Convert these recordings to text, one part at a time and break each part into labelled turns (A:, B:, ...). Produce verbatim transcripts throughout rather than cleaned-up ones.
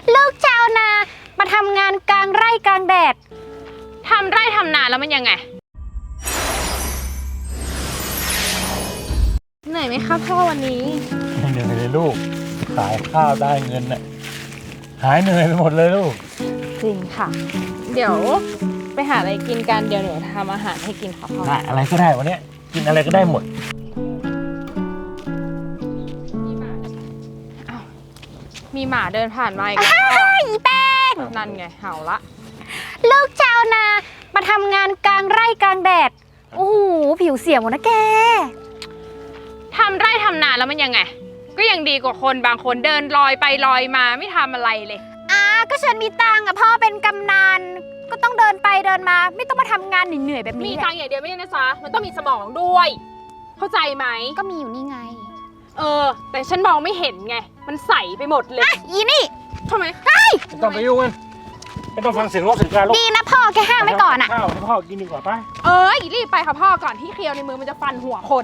A: ลูกชาวนามาทำงานกลางไร่กลางแดด
B: ทำไร่ทำนาแล้วมันยังไงเหนื่อยไหมคะพ่อวันนี้
C: ไม่เหนื่อยเลยลูกขายข้าวได้เงินน่ะหายเหนื่อยไปหมดเลยลูก
B: จริงค่ะเดี๋ยวไปหาอะไรกินกันเดี๋ยวหนูทำอาหารให้กินค่ะพ่อ
C: ได้อะไรก็ได้วันนี้กินอะไรก็ได้หมด
B: มีหมาเดินผ่านมาอีกแล้ว
A: อีแป้ง
B: นั่นไงเห่าละ
A: ลูกชาวนามาทำงานกลางไร่กลางแดดโอ้โหผิวเสียหมดนะแก
B: ทำไร่ทำนาแล้วมันยังไงก็ยังดีกว่าคนบางคนเดินลอยไปลอยมาไม่ทำอะไรเลย
A: อ่าก็ฉันมีตังค์อะพ่อเป็นกำนันก็ต้องเดินไปเดินมาไม่ต้องมาทำงานเหนื่อยๆแบบนี้
B: มีตังค์อย่างเดียวไม่ใช่นะจ๊ะมันต้องมีสมองด้วยเข้าใจไหม
A: ก็มีอยู่นี่ไง
B: เออแต่ฉันมองไม่เห็นไงมันใสไปหมดเลย
A: อีนี่
B: ทำไม
A: เฮ้ย
C: ไม่ต้องไปยุ่งกันไม่ต้องฟังเสียงรถเสียงการลูก
A: ดีนะพ่อแกห้ามไว้ก่อนอะ
C: ข้าวให้พ่อกินดีกว่าป่ะ
B: เออรีบไปค่ะพ่อก่อนที่เคียวในมือมันจะฟันหัวคน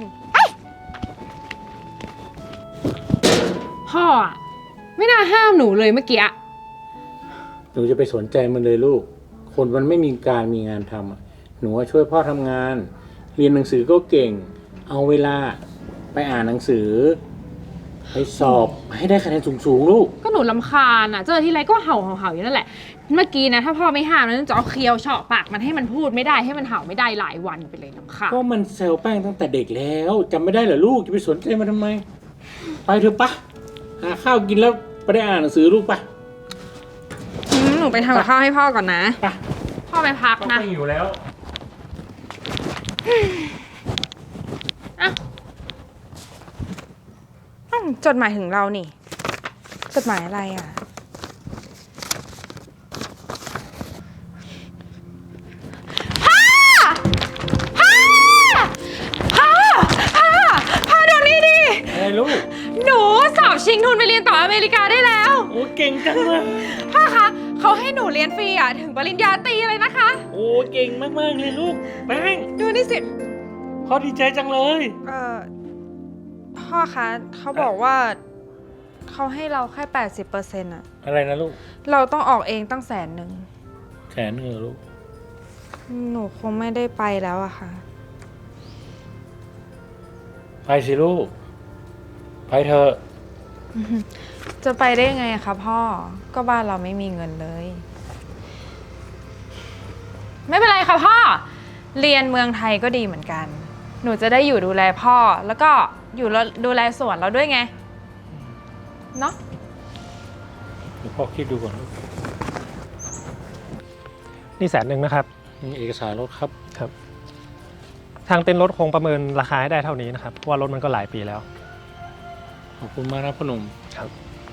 B: พ่ออะไม่น่าห้ามหนูเลยเมื่อกี้
C: หนูจะไปสนใจมันเลยลูกคนมันไม่มีการมีงานทำหนูช่วยพ่อทำงานเรียนหนังสือก็เก่งเอาเวลาไปอ่านหนังสือไปสอบให้ได้คะแนนสูงๆลูก
B: ก็หนูลำคาญอ่ะเจอที่ไรก็เห่าเห่าเห่าอยู่นั่นแหละเมื่อกี้นะถ้าพ่อไม่ห้ามนะจะเอาเคียวเฉาะปากมันให้มันพูดไม่ได้ให้มันเห่าไม่ได้หลายวันไปเลยลำคาญ
C: ก็มันเซลแป้งตั้งแต่เด็กแล้วจำไม่ได้เหรอลูกจะไปสนใจมันทำไมไปเถอะปะหาข้าวกินแล้วไปได้อ่านหนังสือลูกปะ
B: หนูไปทำกับข้าวให้พ่อก่อนนะพ่อไปพักนะ
C: ไม่อยู่แล้ว
B: จดหมายถึงเรานี่จดหมายอะไรอ่ะพ่อพ่อพ่อพ่อพ่อเดี๋ยวนี้ดิ
C: อะไรลูก
B: หนูสอบชิงทุนไปเรียนต่ออเมริกาได้แล้ว
C: โอ้เก่งจังเลย
B: พ่อคะเขาให้หนูเรียนฟรีอ่ะถึงปริญญาตรีเลยนะคะ
C: โอ้เก่งมากๆเลยลูกแป้ง
B: ดูนี่สิ
C: พ่อดีใจจังเลย
B: เออพ่อคะเขาบอกว่าเขาให้เราแค่ แปดสิบเปอร์เซ็นต์ อะ
C: อะไรนะลูก
B: เราต้องออกเองตั้งแสนหนึ่ง
C: แสนหนึ่งลูก
B: หนูคงไม่ได้ไปแล้วอะค่ะ
C: ไปสิลูกไปเถอะ
B: จะไปได้ไงคะพ่อก็บ้านเราไม่มีเงินเลยไม่เป็นไรค่ะพ่อเรียนเมืองไทยก็ดีเหมือนกันหนูจะได้อยู่ดูแลพ่อแล้วก็อยู่ดูแลสวนเราด้วยไงเนาะ
C: เดี๋ยวพ่อคิดดูก่อน
D: นี่แสนหนึ่งนะครับ
C: นี่เอกสารรถครับ
D: ครับทางเต็นท์รถคงประเมินราคาให้ได้เท่านี้นะครับเพราะว่ารถมันก็หลายปีแล้ว
C: ขอบคุณมากนะพ่อหนุ่ม
D: ครับ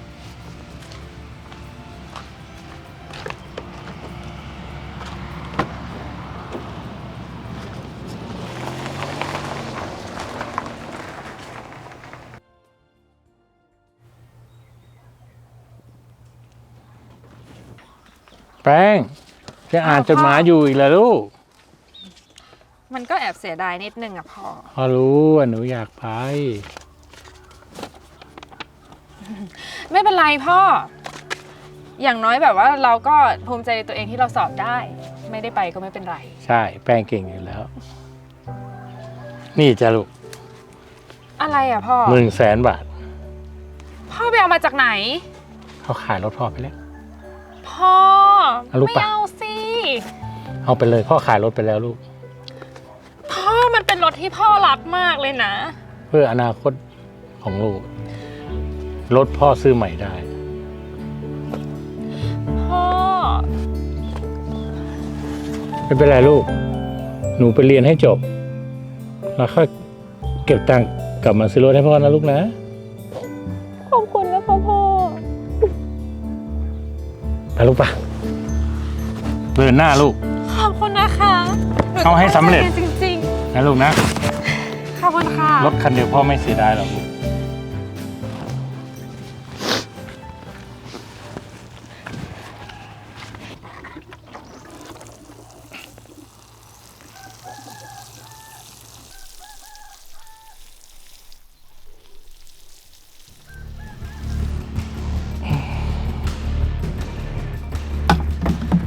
C: แป้งจะอ่านจดหมายอยู่อีกแล้วลูก
B: มันก็แอบเสียดายนิดนึงอะพ่อ
C: พ่อรู้ว่าหนูอยากไป
B: ไม่เป็นไรพ่ออย่างน้อยแบบว่าเราก็ภูมิใจในตัวเองที่เราสอบได้ไม่ได้ไปก็ไม่เป็นไร
C: ใช่แป้งเก่งอยู่แล้วนี่จ้ะลูก
B: อะไรอะพ่อ
C: หนึ่งแสนบาท
B: พ่อไปเอามาจากไหน
C: เขาขายรถพ่อไปแล้ว
B: พ่อไม่เอาสิ
C: เอาไปเลยพ่อขายรถไปแล้วลูก
B: พ่อมันเป็นรถที่พ่อรักมากเลยนะ
C: เพื่ออนาคตของลูกรถพ่อซื้อใหม่ได้
B: พ่อ
C: ไม่เป็นไรลูกหนูไปเรียนให้จบแล้วค่อยเก็บตังค์กลับมาซื้อรถให้พ่อนะลูกนะ
B: ขอบคุณนะคะพ่อ
C: ไปลูกปะเดินหน้าลูก
B: ขอบคุณนะคะ
C: เอาให้สำเร็จ
B: จริง
C: ๆนะลูกนะ
B: ขอบคุณค่ะ
C: รถคันเดียวพ่อไม่เสียดายหรอกลูก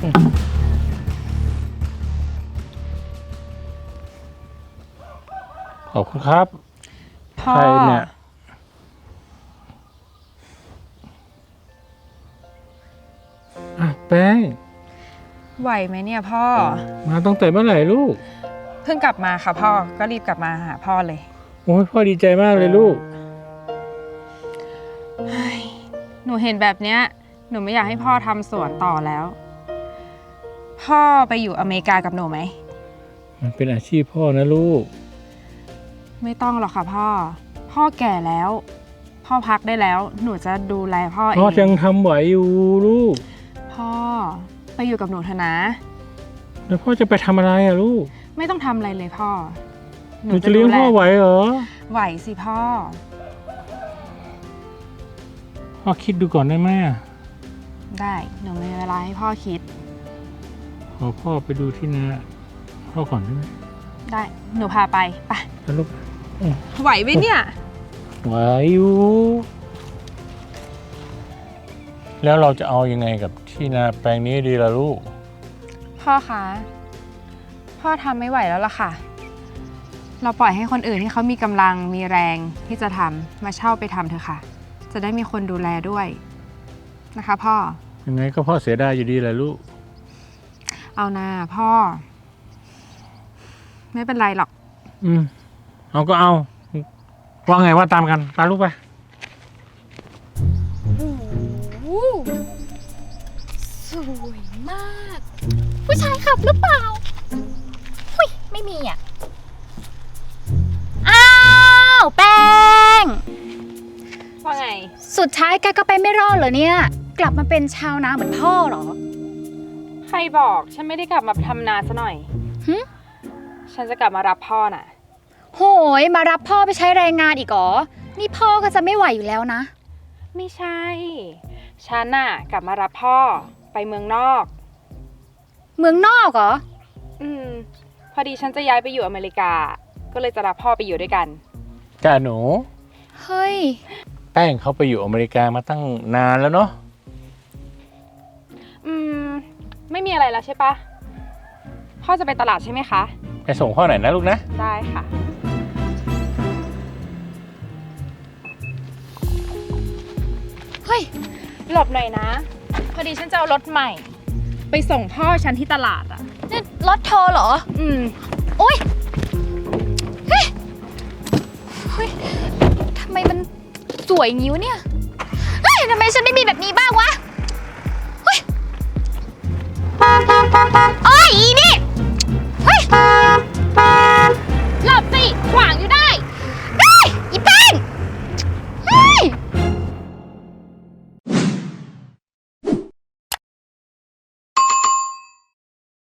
C: ขอบคุณครับ
B: พ่อ
C: ใครเนี่ยอ่ะแป้ง
B: ไหวไหมเนี่ยพ่อ
C: มาตั้งแต่เมื่อไหร่ลูก
B: เพิ่งกลับมาค่ะพ่อ ก็รีบกลับมาหาพ่อเลย
C: โอ้ยพ่อดีใจมากเลยลูก
B: หนูเห็นแบบเนี้ย หนูไม่อยากให้พ่อทำสวนต่อแล้ว พ่อไปอยู่อเมริกากับหนูไหม
C: มันเป็นอาชีพพ่อนะลูก
B: ไม่ต้องหรอกค่ะพ่อ พ่อแก่แล้ว พ่อพักได้แล้ว หนูจะดูแลพ่อเอ
C: พ่อง ยังทำไหวอยู่ลูก
B: พ่อไปอยู่กับหนูเถอะนะ
C: แล้วพ่อจะไปทำอะไรอะลูก
B: ไม่ต้องทำอะไรเลยพ่อ
C: หนูจะเลี้ยงพ่อไหวเหรอ
B: ไหวสิพ่อ
C: พ่อคิดดูก่อนได้ไหมอะ
B: ได้หนูมีเวลาให้พ่อคิด
C: ขอพ่อไปดูที่นาพ่อก่อนได้ไหม
B: ได้หนูพาไปไป
C: แล้วลูก
B: ไหวไหมเนี่ย
C: ไหวอยู่ แล้วเราจะเอายังไงกับที่นาแปลงนี้ดีล่ะลูก
B: พ่อคะพ่อทำไม่ไหวแล้วล่ะค่ะ เราปล่อยให้คนอื่นที่เขามีกำลังมีแรงที่จะทำมาเช่าไปทำเถอะค่ะ จะได้มีคนดูแลด้วยนะคะ พ่อ
C: ยังไงก็พ่อเสียดายอยู่ดีแหละลูก
B: เอานาพ่อ ไม่เป็นไรหรอก
C: อืมเอาก็เอาว่าไงว่าตามกันตามลูกไป
A: โอ้โหสวยมาก ผู้ชายขับหรือเปล่าหุยไม่มีอ่ะ อ้าวแป้ง
B: ว่าไง
A: สุดท้ายแกก็ไปไม่รอดเหรอเนี่ย กลับมาเป็นชาวนาเหมือนพ่อเหรอ
B: ใครบอกฉันไม่ได้กลับมาทำนาซะหน่อย
A: หึ
B: ฉันจะกลับมารับพ่อน่ะ
A: โหยมารับพ่อไปใช้แรงงานอีกเหรอ นี่พ่อก็จะไม่ไหวอยู่แล้วนะ
B: ไม่ใช่ ฉันน่ะกลับมารับพ่อไปเมืองนอก
A: เมืองนอกเหรอ
B: อืม พอดีฉันจะย้ายไปอยู่อเมริกา ก็เลยจะรับพ่อไปอยู่ด้วยกัน
C: จ้าหนู
A: เฮ้ย
C: แป้งเขาไปอยู่อเมริกามาตั้งนานแล้วเนาะ
B: อืม ไม่มีอะไรแล้วใช่ปะพ่อจะไปตลาดใช่ไหมคะ
C: ไปส่งพ่อหน่อยนะลูกนะ
B: ได้ค่ะ
A: เฮ้ย
B: หลบหน่อยนะ พอดีฉันจะเอารถใหม่ ไปส่งพ่อฉันที่ตลาดอ่ะ
A: นี่รถเธอเหรอ
B: อืม
A: โอ๊ย เฮ้ย เฮ้ย ทำไมมันสวยอย่างงี้วะเนี่ย เฮ้ย ทำไมฉันไม่มีแบบนี้บ้างวะ